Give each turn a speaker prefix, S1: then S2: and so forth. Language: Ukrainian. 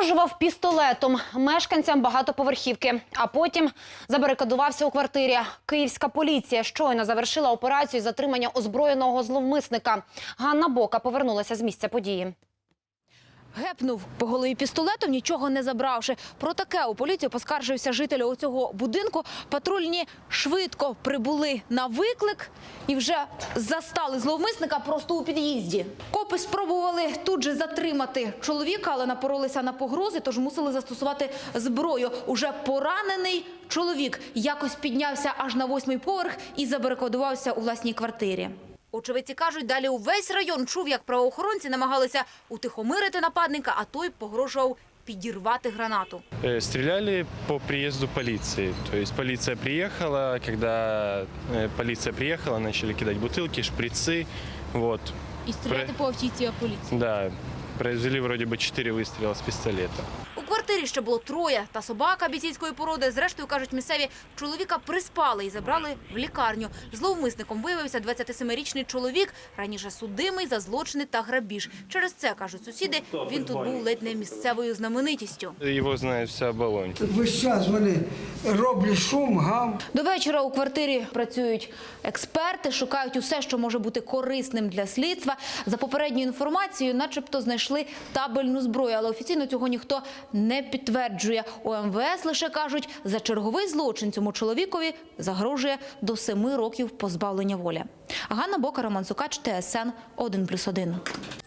S1: Погрожував пістолетом мешканцям багатоповерхівки, а потім забарикадувався у квартирі. Київська поліція щойно завершила операцію з затримання озброєного зловмисника. Ганна Бока повернулася з місця події.
S2: Гепнув по голові пістолетом, нічого не забравши. Про таке у поліцію поскаржився житель цього будинку. Патрульні швидко прибули на виклик і вже застали зловмисника просто у під'їзді. Копи спробували тут же затримати чоловіка, але напоролися на погрози, тож мусили застосувати зброю. Уже поранений чоловік якось піднявся аж на 8-й поверх і забарикадувався у власній квартирі. Очевидці кажуть, далі увесь район чув, як правоохоронці намагалися утихомирити нападника, а той погрожував підірвати гранату.
S3: Стреляли по приезду полиции. То есть полиция приехала, когда полиция приехала, начали кидать бутылки, шприцы. Вот.
S2: І стріляти по автівці поліції.
S3: Да, произвели вроде бы 4 выстрела с пистолета.
S2: У квартирі ще було троє та собака бійцівської породи. Зрештою, кажуть місцеві, чоловіка приспали і забрали в лікарню. Зловмисником виявився 27-річний чоловік, раніше судимий за злочини та грабіж. Через це, кажуть сусіди, він тут був ледь не місцевою знаменитістю.
S3: Его знает вся Оболонь.
S4: Весь час вони роблять шум, гам.
S2: До вечора у квартирі працюють експерти, шукають усе, що може бути корисним для слідства. За попередньою інформацією, начебто знайшли табельну зброю, але офіційно цього ніхто не підтверджує. У МВС лише кажуть, за черговий злочин цьому чоловікові загрожує до 7 років позбавлення волі. Ганна Бока, Роман Сукач, ТСН 1+1.